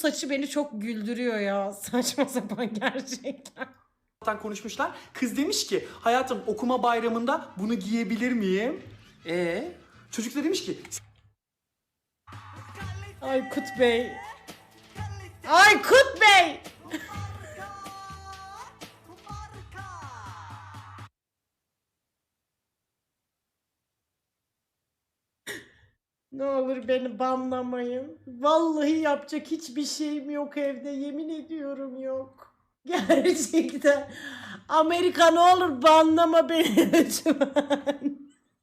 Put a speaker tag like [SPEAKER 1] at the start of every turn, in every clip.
[SPEAKER 1] Saçı beni çok güldürüyor ya. Saçma sapan gerçekten.
[SPEAKER 2] Konuşmuşlar. Kız demiş ki hayatım okuma bayramında bunu giyebilir miyim? Çocuk da demiş ki
[SPEAKER 1] Aykut Bey. Aykut Bey. Ne olur beni banlamayın. Vallahi yapacak hiçbir şeyim yok evde. Yemin ediyorum yok. Gerçekten. Amerika ne olur banlama beni lütfen.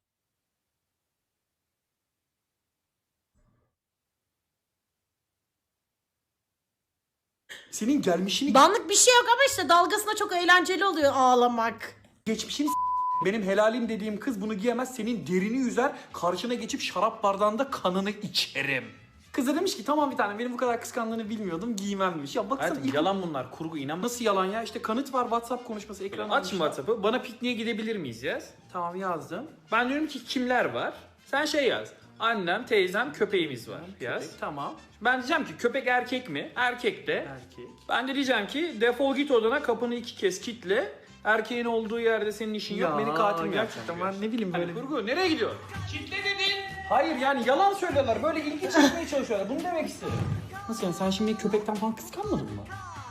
[SPEAKER 2] senin gelmişini
[SPEAKER 1] Banlık bir şey yok ama işte dalgasına çok eğlenceli oluyor ağlamak.
[SPEAKER 2] geçmişini benim helalim dediğim kız bunu giyemez, senin derini yüzer, karşına geçip şarap bardağında kanını içerim. Kız da demiş ki tamam bir tane, benim bu kadar kıskandığını bilmiyordum, giymem demiş. Ya baksana
[SPEAKER 3] Hayatım, yalan bunlar, kurgu, inanma.
[SPEAKER 2] nasıl yalan ya, işte kanıt var, WhatsApp konuşması ekranı.
[SPEAKER 3] Aç şimdi WhatsApp'ı, bana pikniğe gidebilir miyiz yaz.
[SPEAKER 2] Tamam yazdım.
[SPEAKER 3] Ben diyorum ki kimler var? Sen şey yaz. Annem, teyzem, köpeğimiz var yaz.
[SPEAKER 2] Köpek, tamam.
[SPEAKER 3] Ben diyeceğim ki köpek erkek mi? Erkek de.
[SPEAKER 2] Erkek.
[SPEAKER 3] Ben de diyeceğim ki defol git odana, kapını 2 kez kilitle. Erkeğin olduğu yerde senin işin yok, beni katil mi
[SPEAKER 2] gerçekten
[SPEAKER 3] yapacaksın?
[SPEAKER 2] ben ne bileyim böyle.
[SPEAKER 3] Hani kurgu, nereye gidiyor? Kitle dedin.
[SPEAKER 2] Hayır yani yalan söylüyorlar, böyle ilgi çekmeye çalışıyorlar, bunu demek istedim. Nasıl yani, sen şimdi köpekten falan kıskanmadın mı?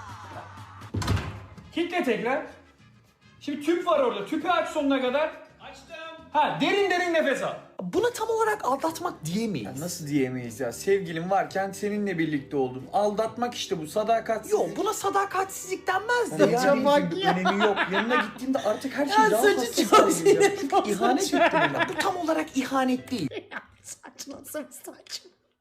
[SPEAKER 2] Kitle tekrar. Şimdi tüp var orada, tüpü aç sonuna kadar.
[SPEAKER 3] Açtım.
[SPEAKER 2] Ha, derin derin nefes al. Buna tam olarak aldatmak diyemeyiz.
[SPEAKER 4] Ya nasıl diyemeyiz ya? Sevgilim varken seninle birlikte oldum. Aldatmak işte bu, sadakatsizlik.
[SPEAKER 2] Yok, buna sadakatsizlik denmez de.
[SPEAKER 4] Yani
[SPEAKER 1] Saça
[SPEAKER 4] yani
[SPEAKER 1] bak
[SPEAKER 4] bir
[SPEAKER 1] ya.
[SPEAKER 4] önemi yok. Yanına gittiğimde artık her şey
[SPEAKER 1] Ya
[SPEAKER 4] daha
[SPEAKER 1] saçı
[SPEAKER 4] hassas
[SPEAKER 1] çok
[SPEAKER 4] hale geliyor.
[SPEAKER 1] sinir
[SPEAKER 4] Çünkü
[SPEAKER 1] bozucu.
[SPEAKER 4] ihanet ettim ona.
[SPEAKER 2] Bu tam olarak ihanet değil.
[SPEAKER 1] Saç nasıl bir saç?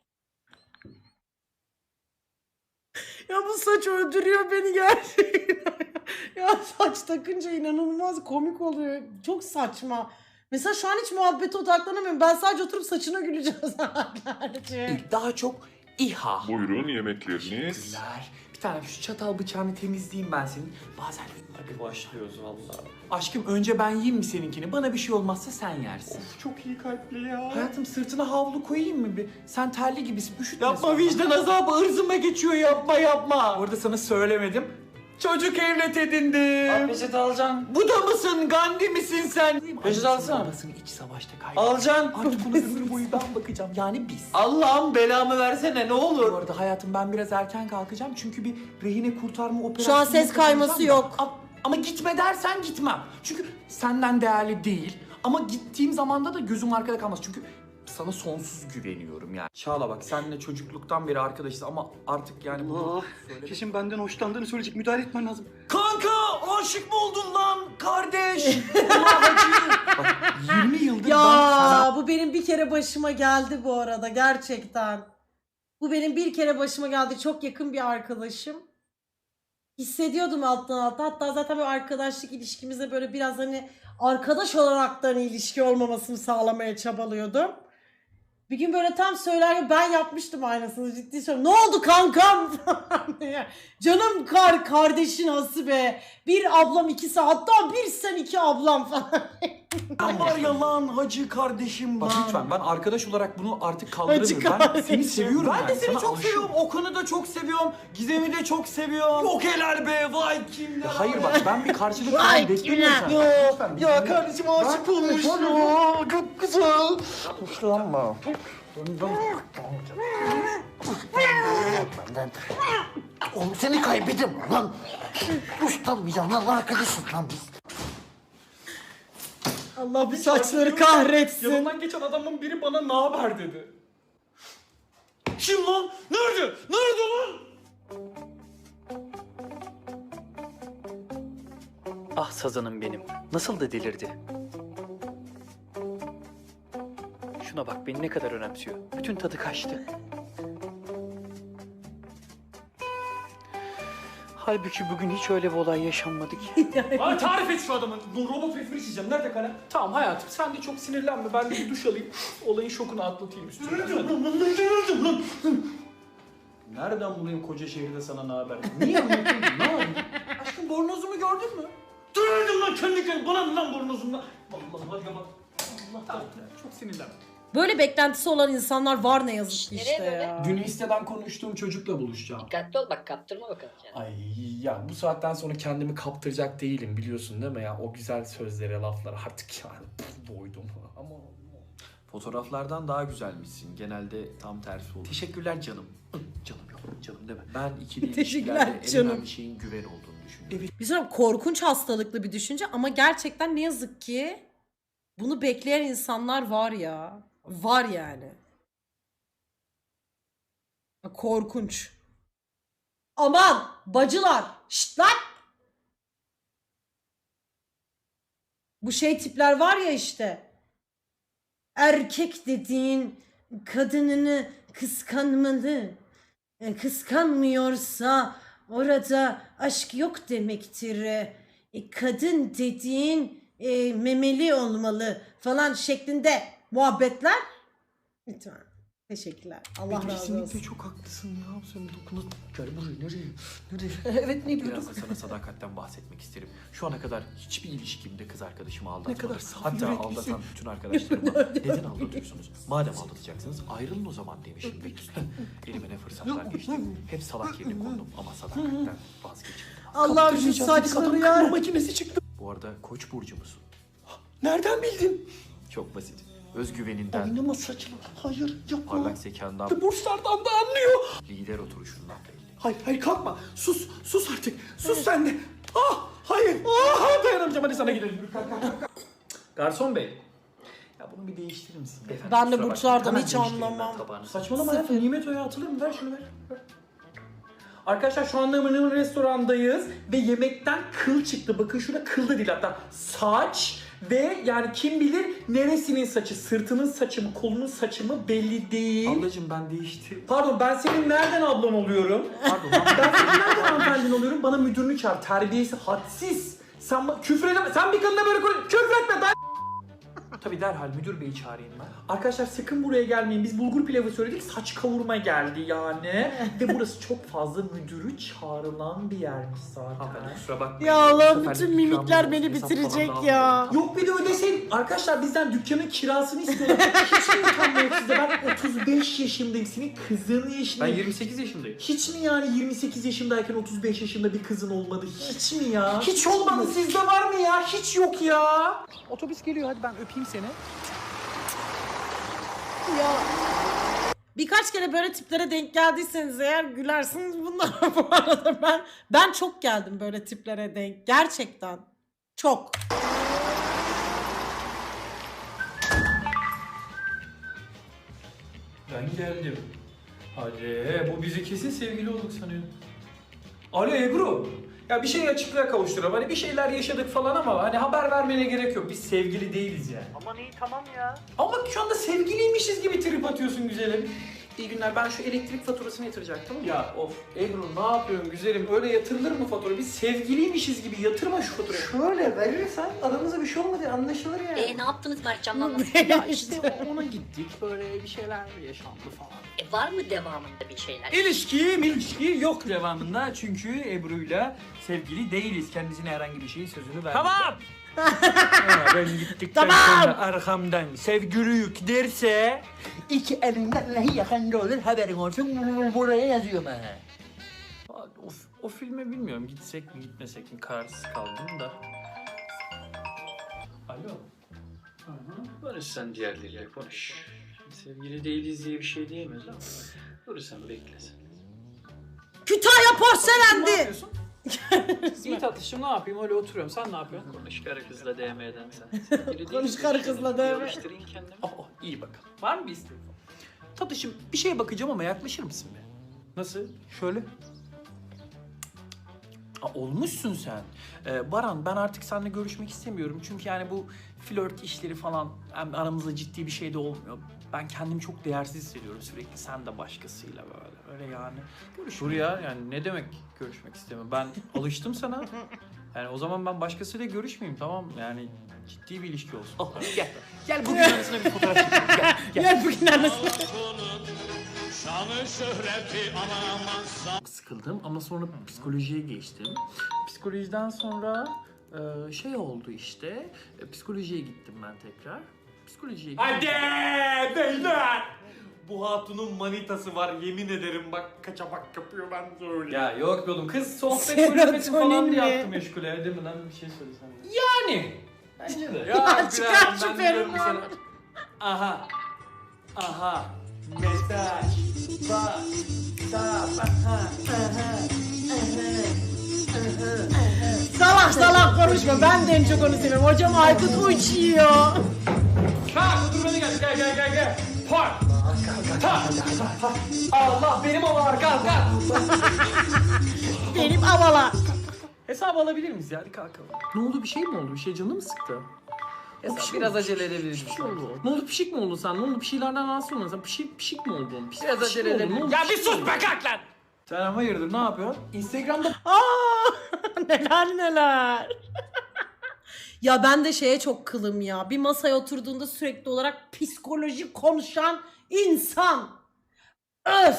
[SPEAKER 1] Ya bu saç öldürüyor beni gerçekten. Ya saç takınca inanılmaz komik oluyor. Çok saçma. Mesela şu an hiç muhabbete odaklanamıyorum. Ben sadece oturup saçına güleceğim saatlerce.
[SPEAKER 2] Daha çok İHA.
[SPEAKER 5] Buyurun yemekleriniz.
[SPEAKER 2] Teşekkürler. Bir tane şu çatal bıçağını temizleyeyim ben senin. Bazen
[SPEAKER 3] Hadi başlıyoruz vallahi.
[SPEAKER 2] aşkım önce ben yiyeyim mi seninkini? Bana bir şey olmazsa sen yersin.
[SPEAKER 4] Çok iyi kalpli ya.
[SPEAKER 2] Hayatım sırtına havlu koyayım mı bir? Sen terli gibisin, üşütme.
[SPEAKER 4] Yapma,
[SPEAKER 2] sonra.
[SPEAKER 4] vicdan
[SPEAKER 2] azabı ırzıma geçiyor, yapma. Orada sana söylemedim. Çocuk evlat edindim.
[SPEAKER 4] Peçete alacaksın.
[SPEAKER 2] Bu da mısın? Gandhi misin sen?
[SPEAKER 4] Peçete alsana.
[SPEAKER 2] Babasını iç savaşta kaybetti.
[SPEAKER 4] Alacaksın.
[SPEAKER 2] Artık ona ömür boyu ben bakacağım. Yani biz.
[SPEAKER 4] Allah'ım belamı versene ne
[SPEAKER 2] Bu
[SPEAKER 4] olur.
[SPEAKER 2] arada hayatım ben biraz erken kalkacağım çünkü bir rehine kurtarma operasyonu
[SPEAKER 1] Şu an ses kayması
[SPEAKER 2] yapacağım da.
[SPEAKER 1] yok.
[SPEAKER 2] Ama gitme dersen gitmem. Çünkü senden değerli değil. Ama gittiğim zamanda da gözüm arkada kalmaz. Çünkü sana sonsuz güveniyorum yani. Çağla bak, seninle çocukluktan beri arkadaşız ama artık yani bunu söyle.
[SPEAKER 4] Kesin benden hoşlandığını söyleyecek, müdahale etmen lazım.
[SPEAKER 2] Kanka aşık mı oldun lan kardeş? Allah acı. Bak 20 yıldır ben sana...
[SPEAKER 1] Ya bu benim bir kere başıma geldi bu arada gerçekten. Bu benim bir kere başıma geldi. Çok yakın bir arkadaşım. Hissediyordum alttan alta. Hatta zaten böyle arkadaşlık ilişkimizde böyle biraz hani arkadaş olaraktan ilişki olmamasını sağlamaya çabalıyordum. Bir gün böyle tam söylerken ben yapmıştım aynısını, ciddi söylüyorum. Ne oldu kankam falan diye. Canım kardeşin Hasibe. Bir ablam ikisi, hatta bir sen iki ablam falan.
[SPEAKER 2] Var ya lan hacı kardeşim
[SPEAKER 1] Bak
[SPEAKER 2] lan.
[SPEAKER 1] lütfen,
[SPEAKER 2] ben arkadaş olarak bunu artık
[SPEAKER 1] Hacı
[SPEAKER 2] kaldıramıyorum. Ben
[SPEAKER 1] kardeşim.
[SPEAKER 2] seni seviyorum.
[SPEAKER 4] Ben de seni
[SPEAKER 2] Sana
[SPEAKER 4] çok
[SPEAKER 2] aşığım.
[SPEAKER 4] seviyorum.
[SPEAKER 2] Okan'ı da çok seviyorum. Gizem'i de çok seviyorum. Yok helal be, vay kimler. Hayır bak, ben bir karşılık
[SPEAKER 1] Vay
[SPEAKER 2] falan beklemiyorum
[SPEAKER 1] kimler.
[SPEAKER 2] senden.
[SPEAKER 4] Ya kardeşim aşık olmuş ya. Çok güzel. Hoşlanma.
[SPEAKER 6] Oğlum seni kaybettim lan. Hoşlanmayacağım lan, arkadaşız lan biz.
[SPEAKER 1] Allah bu saçları kahretsin.
[SPEAKER 2] Yanımdan geçen adamın biri bana ne haber dedi. Kim lan? Nerede? Nerede lan?
[SPEAKER 7] Ah sazanım benim. Nasıl da delirdi. Şuna bak, beni ne kadar önemsiyor. Bütün tadı kaçtı. Halbuki bugün hiç öyle bir olay yaşanmadı ki.
[SPEAKER 2] Bana tarif et şu adamın. Bu robot refri içeceğim. Nerede kalem? Tamam hayatım, sen de çok sinirlenme. Ben de bir duş alayım. Olayın şokunu atlatayım üstüne. Nereden bulayım koca şehirde sana ne haber? Niye anlatayım? Ne yapayım? Aşkım bornozumu gördün mü? Döndüm lan kendi kendime. Bana ne lan bornozumdan? Vallahi hadi bak. Allah tamam, çok sinirlenme.
[SPEAKER 1] Böyle beklentisi olan insanlar var ne yazık ki
[SPEAKER 5] Nereye
[SPEAKER 1] işte
[SPEAKER 5] böyle?
[SPEAKER 1] ya.
[SPEAKER 2] Dün listeden konuştuğum çocukla buluşacağım.
[SPEAKER 5] Dikkatli ol bak kaptırma bakalım kendini.
[SPEAKER 2] Ay ya bu saatten sonra kendimi kaptıracak değilim biliyorsun değil mi ya? O güzel sözlere, laflara artık yani doydum ama...
[SPEAKER 8] Fotoğraflardan daha güzelmişsin. Genelde tam tersi olur. Teşekkürler canım. Canım yok, canım deme. Ben ikili
[SPEAKER 1] Teşekkürler
[SPEAKER 8] ilişkilerde en
[SPEAKER 1] canım.
[SPEAKER 8] önemli şeyin güven olduğunu düşünüyorum.
[SPEAKER 1] Bir sonra korkunç hastalıklı bir düşünce ama gerçekten ne yazık ki bunu bekleyen insanlar var ya. Var yani. Korkunç. Aman bacılar. Şşt lan. Bu şey tipler var ya işte. Erkek dediğin kadınını kıskanmalı. Kıskanmıyorsa orada aşk yok demektir. Kadın dediğin memeli olmalı falan şeklinde muhabbetler. Lütfen. Teşekkürler. Allah razı
[SPEAKER 8] Kesinlikle
[SPEAKER 1] olsun.
[SPEAKER 8] çok haklısın ya. Sen dokuna... Gel buraya, nereye?
[SPEAKER 1] Evet ne
[SPEAKER 8] Biraz da sana sadakatten bahsetmek isterim. Şu ana kadar hiçbir ilişkimde kız arkadaşımı aldatmadım.
[SPEAKER 2] kadar saf
[SPEAKER 8] Hatta
[SPEAKER 2] yüreklisin.
[SPEAKER 8] aldatan bütün arkadaşlarıma neden aldatıyorsunuz? Madem aldatacaksınız ayrılın o zaman demişimdir. Elime ne fırsatlar geçti. Hep salak yerine kondum ama sadakatten vazgeçmedim.
[SPEAKER 1] Allah'ım şu saçları ya.
[SPEAKER 2] makinesi çıktı.
[SPEAKER 8] Bu arada Koç burcu musun?
[SPEAKER 2] Nereden bildin?
[SPEAKER 8] Çok basit. Özgüveninden,
[SPEAKER 2] Oynama saçma. Hayır yapma.
[SPEAKER 8] parlak zekandan,
[SPEAKER 2] Burslardan da anlıyor.
[SPEAKER 8] lider oturuşundan belli.
[SPEAKER 2] Hayır kalkma. Sus artık. Sus sen de. Ah hayır. Ah dayanamayacağım hadi sana gidelim. Kalk.
[SPEAKER 3] Garson bey.
[SPEAKER 8] Ya bunu bir değiştirir misin?
[SPEAKER 1] Ben de
[SPEAKER 8] Kusura
[SPEAKER 1] burçlardan
[SPEAKER 8] bakma,
[SPEAKER 1] hiç
[SPEAKER 8] hemen değiştireyim ben
[SPEAKER 1] anlamam.
[SPEAKER 8] tabağını.
[SPEAKER 3] Saçmalama ya. Nimet Oya atılır mı? Ver şunu ver. Arkadaşlar şu anda Mınır restorandayız ve yemekten kıl çıktı. Bakın şurada kıl da değil hatta saç ve yani kim bilir neresinin saçı, sırtının saçı mı, kolunun saçı mı belli değil.
[SPEAKER 8] Ablacım ben değiştirdim.
[SPEAKER 3] Pardon ben senin nereden ablan oluyorum?
[SPEAKER 8] Pardon
[SPEAKER 3] Ben senin nereden hanımefendin oluyorum? Bana müdürünü çağır. Terbiyesi hadsiz. Sen küfür edeme. Sen bir kadına böyle küfür etme.
[SPEAKER 8] tabii derhal müdür beyi çağırayım ben.
[SPEAKER 3] Arkadaşlar sakın buraya gelmeyin. Biz bulgur pilavı söyledik. Saç kavurma geldi yani. Ve burası çok fazla müdürü çağrılan bir yermiş zaten.
[SPEAKER 8] Hanımefendi kusura bakmayın.
[SPEAKER 1] Ya
[SPEAKER 8] Bu
[SPEAKER 1] Allah'ım
[SPEAKER 8] seferlik
[SPEAKER 1] bütün
[SPEAKER 8] ikramınız
[SPEAKER 1] mimikler
[SPEAKER 8] olsun,
[SPEAKER 1] beni
[SPEAKER 8] hesap falan
[SPEAKER 1] bitirecek
[SPEAKER 8] da
[SPEAKER 1] ya.
[SPEAKER 8] almayın.
[SPEAKER 3] Yok bir de ödesin. Arkadaşlar bizden dükkanın kirasını istiyorlar. Hiç mi utanma yok sizde? Ben 35 yaşındayım. Senin kızın
[SPEAKER 8] Ben
[SPEAKER 3] yaşındayım.
[SPEAKER 8] 28 yaşındayım.
[SPEAKER 3] Hiç mi yani 28 yaşındayken 35 yaşında bir kızın olmadı? Hiç mi ya?
[SPEAKER 2] Hiç olmadı.
[SPEAKER 3] Sizde var mı ya? Hiç yok ya.
[SPEAKER 7] Otobüs geliyor hadi ben öpeyim seni.
[SPEAKER 1] Ya. Birkaç kere böyle tiplere denk geldiyseniz eğer gülersiniz bunlara bu arada. Ben çok geldim böyle tiplere denk. Gerçekten. Çok.
[SPEAKER 3] Ben geldim. Hadi bu bizi kesin sevgili olduk sanıyor. Alo Ebru. Ya bir şey açıklığa kavuşturalım. Hani bir şeyler yaşadık falan ama hani haber vermene gerek yok. Biz sevgili değiliz yani.
[SPEAKER 7] Aman iyi tamam ya.
[SPEAKER 3] Ama bak şu anda sevgiliymişiz gibi trip atıyorsun güzelim. İyi günler. Ben şu elektrik faturasını yatıracaktım. Ya of Ebru ne yapıyorsun güzelim? Öyle yatırılır mı fatura? Biz sevgiliymişiz gibi yatırma şu faturayı.
[SPEAKER 2] Şöyle verirsen aramızda bir şey olmadı anlaşılır yani.
[SPEAKER 5] Ne yaptınız Mertcan'la?
[SPEAKER 7] Ya işte ona gittik böyle bir şeyler yaşandı falan.
[SPEAKER 5] Var mı devamında bir şeyler?
[SPEAKER 9] İlişki yok devamında çünkü Ebru'yla sevgili değiliz. Kendisine herhangi bir şeyin sözünü vermedi. Tamam. Ben gittikten sonra arkamdan sevgiliyük derse iki elinden neyi yakanda olur haberin olsun buraya yazıyorum ha.
[SPEAKER 8] O filme bilmiyorum gitsek mi gitmesek mi kararsız kaldım da. Alo.
[SPEAKER 7] Barış sen diğerleriyle konuş. Sevgili değiliz diye bir şey diyemez ama. Dur sen beklesin.
[SPEAKER 1] Kütahya
[SPEAKER 3] Ne
[SPEAKER 1] porselendi.
[SPEAKER 3] yapıyorsun? İyi tatlışım ne yapayım öyle oturuyorum. Sen ne yapıyorsun?
[SPEAKER 7] Konuş karı kızla DM'den sen. Sevgili
[SPEAKER 1] Konuş
[SPEAKER 7] değiliz
[SPEAKER 1] karı
[SPEAKER 7] işte.
[SPEAKER 1] kızla DM.
[SPEAKER 7] Yarıştırayım kendimi.
[SPEAKER 8] Oh iyi bakalım. Var mı bir isteğin? Tatlışım bir şeye bakacağım ama yaklaşır mısın be?
[SPEAKER 3] Nasıl?
[SPEAKER 8] Şöyle. Olmuşsun sen. Baran ben artık seninle görüşmek istemiyorum. Çünkü yani bu flört işleri falan hem aramızda ciddi bir şey de olmuyor. Ben kendimi çok değersiz hissediyorum sürekli sen de başkasıyla böyle. Öyle yani.
[SPEAKER 3] Dur
[SPEAKER 8] Görüşmeyelim.
[SPEAKER 3] ya yani ne demek görüşmek istemem. Ben alıştım sana. Yani o zaman ben başkasıyla görüşmeyeyim tamam mı? Yani ciddi bir ilişki olsun.
[SPEAKER 8] Oh, gel. Gel bugün arasına bir fotoğraf çekelim. Gel.
[SPEAKER 1] Gel bugün arasında.
[SPEAKER 8] Çok sıkıldım ama sonra psikolojiye geçtim. Psikolojiden sonra şey oldu işte. Psikolojiye gittim ben tekrar. psikolojiye
[SPEAKER 2] Hadi beyler. Bu hatunun manitası var yemin ederim bak kaçamak yapıyor ben söyleyeyim.
[SPEAKER 9] Ya yok be oğlum kız sohbet
[SPEAKER 1] Serotonin
[SPEAKER 9] kulübesi falan diye
[SPEAKER 1] mi?
[SPEAKER 9] yaptı meşgule. Değil mi lan bir şey söylesene.
[SPEAKER 2] Yani.
[SPEAKER 9] Bence de.
[SPEAKER 1] Ya çıkar şu
[SPEAKER 9] ben diyorum
[SPEAKER 1] fermuarı.
[SPEAKER 9] sana. Aha. Aha. Mesaj. Bak.
[SPEAKER 1] Salak salak konuşma. Ben de en çok onu seviyorum. Hocam Aykut uçuyor.
[SPEAKER 9] Kalk otur beni gel. Park. Allah benim olar kalk.
[SPEAKER 1] Benim havalar.
[SPEAKER 8] Hesabı alabilir miyiz ya? Hadi kalkalım. Ne oldu, bir şey mi oldu? Bir şey canı mı sıktı?
[SPEAKER 9] Hesap biraz acele edebiliriz.
[SPEAKER 8] Bir şey oldu. Ne oldu, pişik mi oldun sen? Ne oldu, bir şeylerden rahatsız oldun sen? Pişik mi oldun?
[SPEAKER 9] Biraz acele edelim.
[SPEAKER 8] Ya bir sus be kalk lan!
[SPEAKER 9] Sen ama hayırdır ne yapıyorsun? Instagram'da
[SPEAKER 1] Aa, neler. Ya ben de şeye çok kılım ya. Bir masaya oturduğunda sürekli olarak psikoloji konuşan insan. Öf.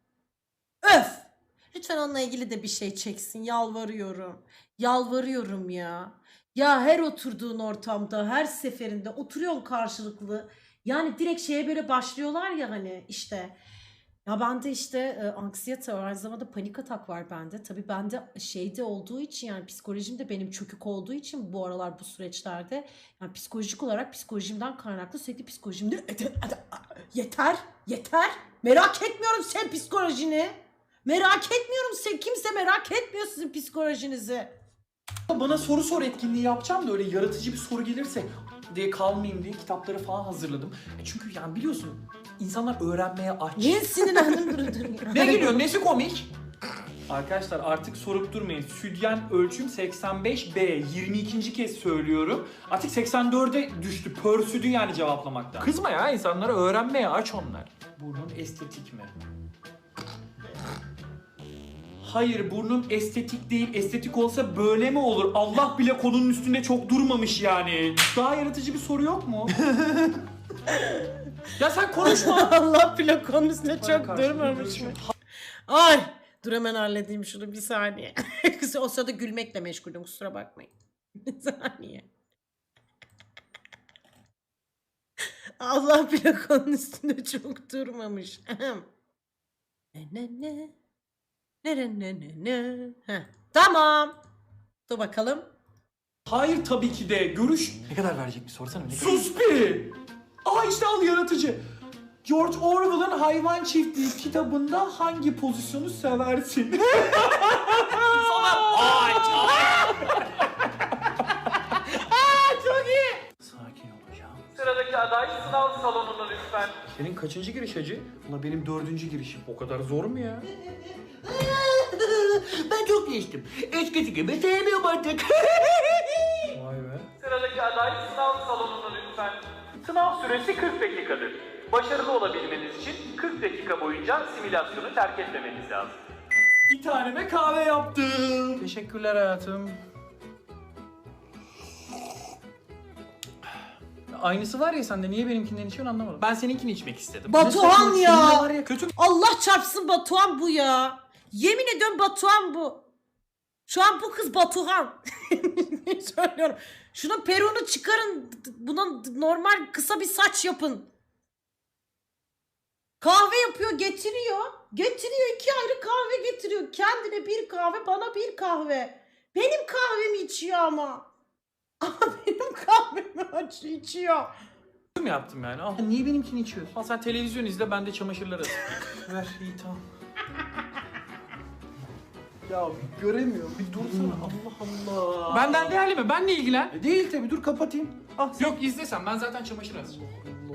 [SPEAKER 1] Lütfen onunla ilgili de bir şey çeksin. Yalvarıyorum ya. Ya her oturduğun ortamda, her seferinde oturuyorsun karşılıklı. Yani direkt şeye böyle başlıyorlar ya hani işte. Ya bende işte anksiyete var, aynı zamanda panik atak var bende. Tabii bende şeyde olduğu için yani psikolojim de benim çökük olduğu için bu aralar bu süreçlerde yani psikolojik olarak psikolojimden kaynaklı sürekli psikolojimde yeter. Merak etmiyorum sen psikolojini. Merak etmiyorum sen, kimse merak etmiyor sizin psikolojinizi.
[SPEAKER 2] Bana soru sor etkinliği yapacağım da öyle yaratıcı bir soru gelirse diye kalmayayım diye kitapları falan hazırladım. Çünkü yani biliyorsun insanlar öğrenmeye aç.
[SPEAKER 1] Niye sinirlendim durdun ya?
[SPEAKER 2] Ne gülüyorsun? Nesi komik?
[SPEAKER 9] Arkadaşlar artık sorup durmayın. Südyen ölçüm 85B. 22. kez söylüyorum. Artık 84'e düştü. Pörsüdü yani cevaplamaktan.
[SPEAKER 2] Kızma ya insanlara öğrenmeye aç onlar.
[SPEAKER 9] Burnun estetik mi? Hayır burnum estetik değil. Estetik olsa böyle mi olur? Allah bile konunun üstünde çok durmamış yani. Daha yaratıcı bir soru yok mu?
[SPEAKER 2] Ya sen konuşma.
[SPEAKER 1] Allah bile konunun üstüne çok
[SPEAKER 9] karşımda
[SPEAKER 1] durmamış mı? Ay dur hemen halledeyim şunu bir saniye. O sırada gülmekle meşgulüm kusura bakmayın. Bir saniye. Allah bile konunun üstünde çok durmamış. Ne. Heh, tamam. Dur bakalım.
[SPEAKER 2] Hayır tabii ki de. Görüş.
[SPEAKER 9] Ne kadar verecek bir sorsana.
[SPEAKER 2] Sus bir. Aa işte al yaratıcı. George Orwell'ın Hayvan Çiftliği kitabında hangi pozisyonu seversin?
[SPEAKER 9] Sakin olacağım.
[SPEAKER 3] Sıradaki aday sınav salonuna lütfen.
[SPEAKER 2] Senin kaçıncı giriş hacı? Ulan benim 4. girişim. O kadar zor mu ya?
[SPEAKER 6] Ben çok değiştim. Eskisi gibi sevmiyorum artık.
[SPEAKER 2] Vay be.
[SPEAKER 3] Sıradaki aday sınav salonuna lütfen. Sınav süresi 40 dakikadır. Başarılı olabilmeniz için 40 dakika boyunca simülasyonu terk etmemeniz lazım.
[SPEAKER 2] Bir taneme kahve yaptım.
[SPEAKER 8] Teşekkürler hayatım. Aynısı var ya sende, niye benimkinden içiyorsun anlamadım. Ben seninkini içmek istedim.
[SPEAKER 1] Batuhan
[SPEAKER 8] Ne
[SPEAKER 1] ya.
[SPEAKER 8] saçma, var ya kötü.
[SPEAKER 1] Allah çarpsın Batuhan bu ya. Yemin ediyorum Batuhan bu. Şu an bu kız Batuhan. Söylüyorum. Şunun peruğunu çıkarın. Buna normal kısa bir saç yapın. Kahve yapıyor, getiriyor. Getiriyor, 2 ayrı kahve getiriyor. Kendine bir kahve, bana bir kahve. Benim kahvemi içiyor ama. Ama benim kahvemi içiyor.
[SPEAKER 8] Kötü mü yaptım yani? Al. Niye benimkini içiyorsun? Al sen televizyon izle, ben de çamaşırları asayım. Ver iyi tamam.
[SPEAKER 2] Ya bir göremiyorum. Bir dursana. Allah Allah.
[SPEAKER 8] Benden değerli mi? Benle ilgilen.
[SPEAKER 2] Değil tabii dur kapatayım. Ah
[SPEAKER 8] Yok izlesen, ben zaten çamaşır asacağım.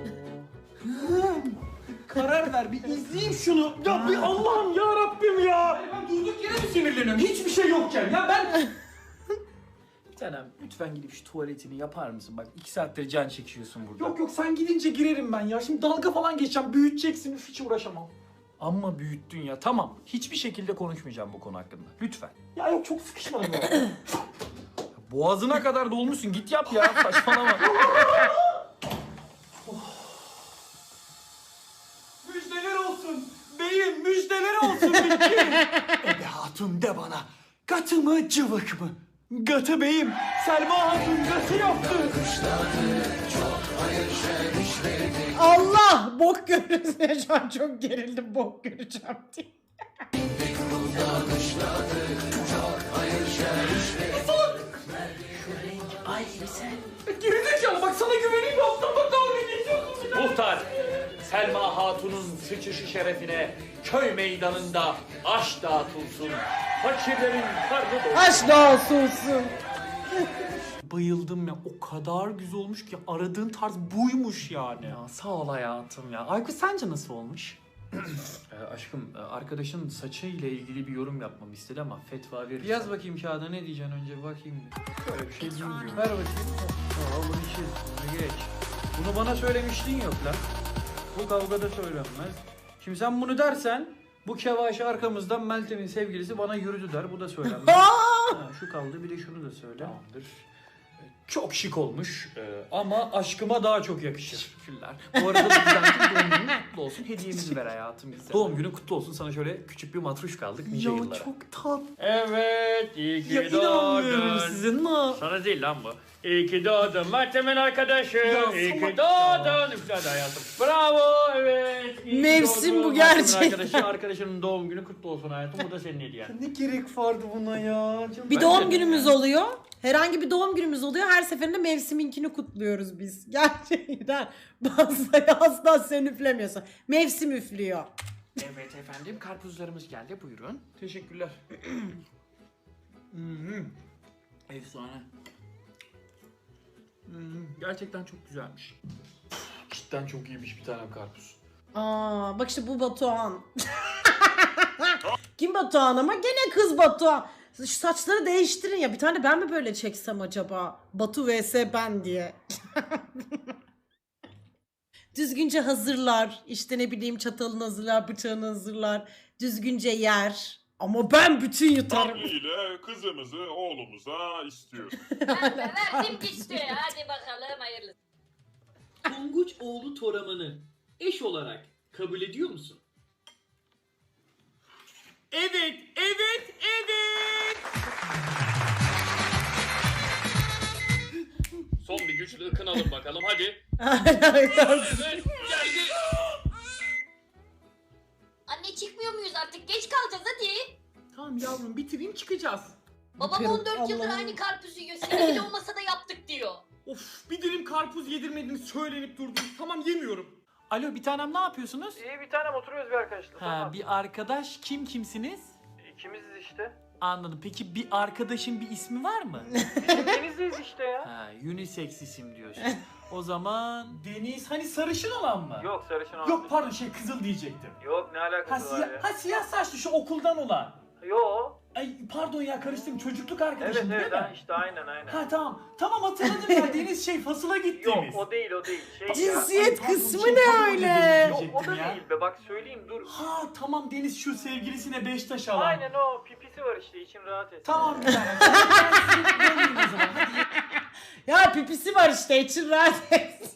[SPEAKER 2] karar ver bir izleyeyim şunu. Ya bir Allah'ım ya Rabbim ya.
[SPEAKER 8] Ben durduk yere mi sinirleniyorum? Hiçbir şey yokken ya ben... Canem lütfen gidip şu tuvaletini yapar mısın? Bak 2 saattir can çekiyorsun burada.
[SPEAKER 2] Yok sen gidince girerim ben ya. Şimdi dalga falan geçeceğim. Büyüteceksin. Hiç uğraşamam.
[SPEAKER 8] Amma büyüttün ya. Tamam. Hiçbir şekilde konuşmayacağım bu konu hakkında. Lütfen.
[SPEAKER 2] Ya yok çok sıkışmadım ya.
[SPEAKER 8] Boğazına kadar dolmuşsun. Git yap ya. Saçmalama.
[SPEAKER 2] Müjdeler olsun. Beyim müjdeler olsun. Ebe hatun de bana. Katı mı cıvık mı?
[SPEAKER 9] Gatı beyim. Selma Hatun gatı yaptı.
[SPEAKER 1] Allah! Bok görürüz ya, şu an çok gerildim, bok göreceğim diye.
[SPEAKER 2] Gerizekalı bak sana güveneyim yaptım bak dalga geçiyorsun.
[SPEAKER 8] Muhtar, Selma Hatun'un sıçışı şerefine köy meydanında aş dağıtılsın. Fakirlerin karnı doysun.
[SPEAKER 1] Aşk olsun.
[SPEAKER 9] Bayıldım ya. O kadar güzel olmuş ki aradığın tarz buymuş yani.
[SPEAKER 2] Ya sağ ol hayatım ya. Aykut sence nasıl olmuş?
[SPEAKER 8] Aşkım, arkadaşın saçı ile ilgili bir yorum yapmamı istedi ama fetva verirsen.
[SPEAKER 9] Yaz bakayım kağıda ne diyeceksin önce bir bakayım.
[SPEAKER 8] Böyle bir şey bilmiyorum.
[SPEAKER 9] Ver bakayım. Aa, bunu çiz. Bunu geç. Bunu bana söylemiştin yok lan. Bu kavgada söylenmez. Şimdi sen bunu dersen bu kevaşi arkamızdan Meltem'in sevgilisi bana yürüdü der. Bu da söylenmez. Ha, şu kaldı bir de şunu da söyle.
[SPEAKER 2] Tamamdır.
[SPEAKER 9] Çok şık olmuş ama aşkıma daha çok yakışır.
[SPEAKER 2] Teşekkürler. Bu arada da güzel doğum günün kutlu olsun. Hediyemizi ver hayatım bize. Doğum günün kutlu olsun. Sana şöyle küçük bir matruş kaldık nice yıllara.
[SPEAKER 9] çok tatlı.
[SPEAKER 8] Evet, iyi ki
[SPEAKER 9] Ya inanmıyorum
[SPEAKER 8] doğdun.
[SPEAKER 9] size ne?
[SPEAKER 8] Sana değil lan bu. İyi ki doğdun Meltem'in arkadaşı.
[SPEAKER 9] Ya
[SPEAKER 8] İyi ki
[SPEAKER 9] salak
[SPEAKER 8] doğdun. Üfledi hayatım. Bravo, evet. İyi ki
[SPEAKER 1] Mevsim
[SPEAKER 8] doğdun.
[SPEAKER 1] bu
[SPEAKER 8] Meltem'in
[SPEAKER 1] gerçekten.
[SPEAKER 8] arkadaşının doğum günü kutlu olsun hayatım. Bu da senin hediyen.
[SPEAKER 9] Ne gerek vardı buna ya? Canım.
[SPEAKER 1] Bir doğum günümüz oluyor. Herhangi bir doğum günümüz oluyor. Her seferinde mevsiminkini kutluyoruz biz. Gerçekten. Bazıları asla sen üflemiyorsun. Mevsim üflüyor.
[SPEAKER 2] Evet efendim karpuzlarımız geldi buyurun.
[SPEAKER 9] Teşekkürler. Efsane.
[SPEAKER 2] Gerçekten çok güzelmiş.
[SPEAKER 9] Cidden çok iyiymiş bir tane karpuz.
[SPEAKER 1] Aa, bak işte bu Batuhan. Kim Batuhan ama gene kız Batuhan. Şu saçları değiştirin ya. Bir tane ben mi böyle çeksem acaba? Batu vs ben diye. Düzgünce hazırlar. İşte ne bileyim çatalını hazırlar, bıçağını hazırlar. Düzgünce yer. Ama ben bütün yutarım.
[SPEAKER 10] Ile kızımızı oğlumuza istiyoruz.
[SPEAKER 5] Verdim gitti. Hadi bakalım hayırlısı.
[SPEAKER 7] Tonguç oğlu Toraman'ı eş olarak kabul ediyor musun?
[SPEAKER 8] Evet, evet, evet. Son bir güçlü ıkınalım bakalım hadi. Evet, geldi.
[SPEAKER 5] Anne çıkmıyor muyuz artık? Geç kalacağız hadi.
[SPEAKER 2] Tamam yavrum bitireyim çıkacağız.
[SPEAKER 5] Babam
[SPEAKER 1] Yapıyorum.
[SPEAKER 5] 14 yıldır
[SPEAKER 1] Allah'ım.
[SPEAKER 5] aynı karpuzu yiyor. Sevgili olmasa da yaptık diyor.
[SPEAKER 2] Of bir dilim karpuz yedirmediniz söylenip durdunuz. Tamam yemiyorum.
[SPEAKER 8] Alo bir tanem ne yapıyorsunuz?
[SPEAKER 9] İyi bir tanem oturuyoruz bir arkadaşla.
[SPEAKER 8] Ha bir arkadaş kimsiniz?
[SPEAKER 9] İkimiziz işte.
[SPEAKER 8] Anladım. Peki bir arkadaşın bir ismi var mı?
[SPEAKER 9] Denizliyiz işte ya.
[SPEAKER 8] Ha unisex isim diyorsun. O zaman Deniz hani sarışın olan mı?
[SPEAKER 9] Yok sarışın olan.
[SPEAKER 8] Yok pardon kızıl diyecektim.
[SPEAKER 9] Yok ne
[SPEAKER 8] Ha,
[SPEAKER 9] alakası var ya?
[SPEAKER 8] siyah saçlı şu okuldan olan.
[SPEAKER 9] Yok.
[SPEAKER 8] Ay pardon ya karıştım çocukluk arkadaşım değil mi?
[SPEAKER 9] işte aynen.
[SPEAKER 8] Ha tamam. Tamam hatırladım ya Deniz fasıla gittiğimiz.
[SPEAKER 9] değil. Şey
[SPEAKER 1] Cinsiyet
[SPEAKER 8] pardon,
[SPEAKER 1] kısmı
[SPEAKER 8] şey
[SPEAKER 1] ne
[SPEAKER 8] kabul
[SPEAKER 1] öyle?
[SPEAKER 8] ediyorum
[SPEAKER 9] Yok o da
[SPEAKER 8] diyecektim ya.
[SPEAKER 9] değil be bak söyleyeyim dur.
[SPEAKER 8] Ha tamam Deniz şu sevgilisine Beştaş alan.
[SPEAKER 9] o pipisi var işte için rahat et.
[SPEAKER 8] Tamam bir tane. Ben sizi döneyim o zaman. Hadi.
[SPEAKER 1] Ya pipisi var işte, için rahat et.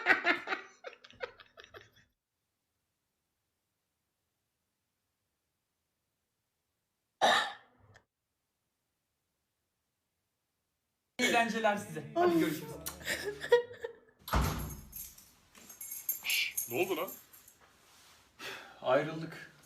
[SPEAKER 8] Eğlenceler size. Hadi görüşürüz.
[SPEAKER 10] Ne oldu lan?
[SPEAKER 9] Ayrıldık.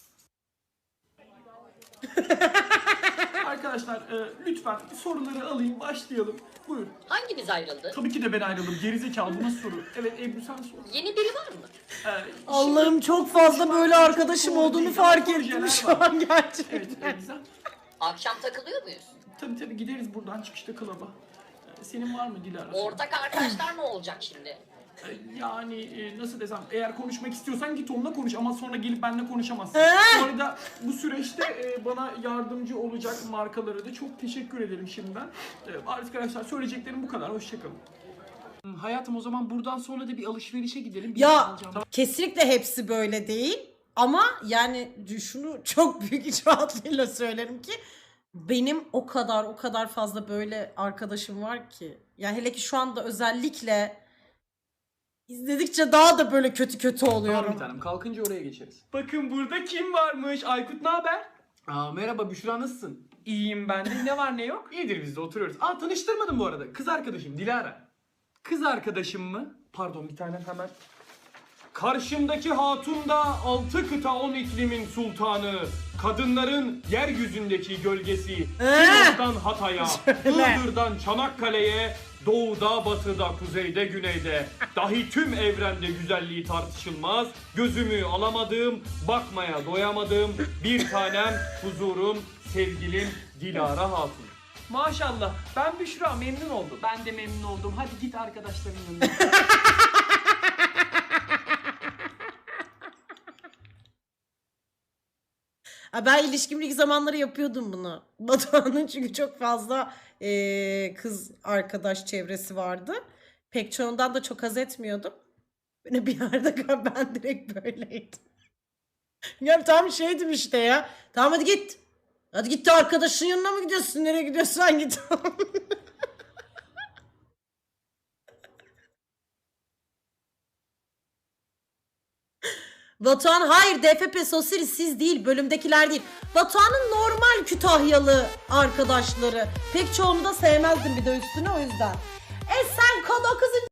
[SPEAKER 8] Arkadaşlar lütfen soruları alayım başlayalım. Buyur.
[SPEAKER 5] Hangimiz ayrıldı?
[SPEAKER 8] Tabii ki de ben ayrıldım. Gerizekalı bu nasıl soru? Evet Ebru sen sor.
[SPEAKER 5] Yeni biri var mı?
[SPEAKER 1] Allah'ım çok fazla böyle arkadaşım olduğunu fark ettim şu an gerçekten.
[SPEAKER 8] Evet güzel.
[SPEAKER 5] Akşam takılıyor muyuz?
[SPEAKER 8] Tabii gideriz buradan çıkışta klaba. Senin var mı Dilara?
[SPEAKER 5] Ortak arkadaşlar ne olacak şimdi?
[SPEAKER 8] Yani nasıl desem eğer konuşmak istiyorsan git onunla konuş ama sonra gelip benimle konuşamazsın. Bu arada bu süreçte bana yardımcı olacak markalara da çok teşekkür ederim şimdiden. Arkadaşlar söyleyeceklerim bu kadar. Hoşçakalın. Hayatım o zaman buradan sonra da bir alışverişe gidelim. Bir şey
[SPEAKER 1] Ya
[SPEAKER 8] alacağım.
[SPEAKER 1] kesinlikle hepsi böyle değil. Ama yani şunu çok büyük iç rahatlığıyla söylerim ki benim o kadar fazla böyle arkadaşım var ki. Yani hele ki şu anda özellikle izledikçe daha da böyle kötü
[SPEAKER 8] Tamam
[SPEAKER 1] oluyorum.
[SPEAKER 8] bir tanem kalkınca oraya geçeriz. Bakın burada kim varmış? Aykut ne haber?
[SPEAKER 9] Merhaba Büşra, nasılsın? İyiyim ben de. Ne var ne yok? İyidir, biz de oturuyoruz. Tanıştırmadım bu arada. Kız arkadaşım Dilara. Kız arkadaşım mı? Pardon, bir tane hemen. Karşımdaki hatun da 6 kıta 10 iklimin sultanı. Kadınların yeryüzündeki gölgesi. Sinop'tan Hatay'a, Iğdır'dan Çanakkale'ye, doğuda, batıda, kuzeyde, güneyde. Dahi tüm evrende güzelliği tartışılmaz. Gözümü alamadığım, bakmaya doyamadığım bir tanem, huzurum, sevgilim Dilara Hatun.
[SPEAKER 8] Maşallah. Ben Büşra, memnun oldum. Ben de memnun oldum. Hadi git arkadaşların yanına.
[SPEAKER 1] Ha, ben ilişkimlik zamanları yapıyordum bunu. Batuhan'ın çünkü çok fazla kız arkadaş çevresi vardı. Pek çoğundan da çok haz etmiyordum. Böyle bir yerde ben direkt böyleydim. Ya tam şeydim işte ya. Tamam hadi git. Hadi git de arkadaşın yanına mı gidiyorsun? Nereye gidiyorsan git. Batuhan hayır DFP Sosiri siz değil bölümdekiler değil. Batuhan'ın normal Kütahyalı arkadaşları. Pek çoğunu da sevmezdim bir de üstüne o yüzden. Sen kod 9.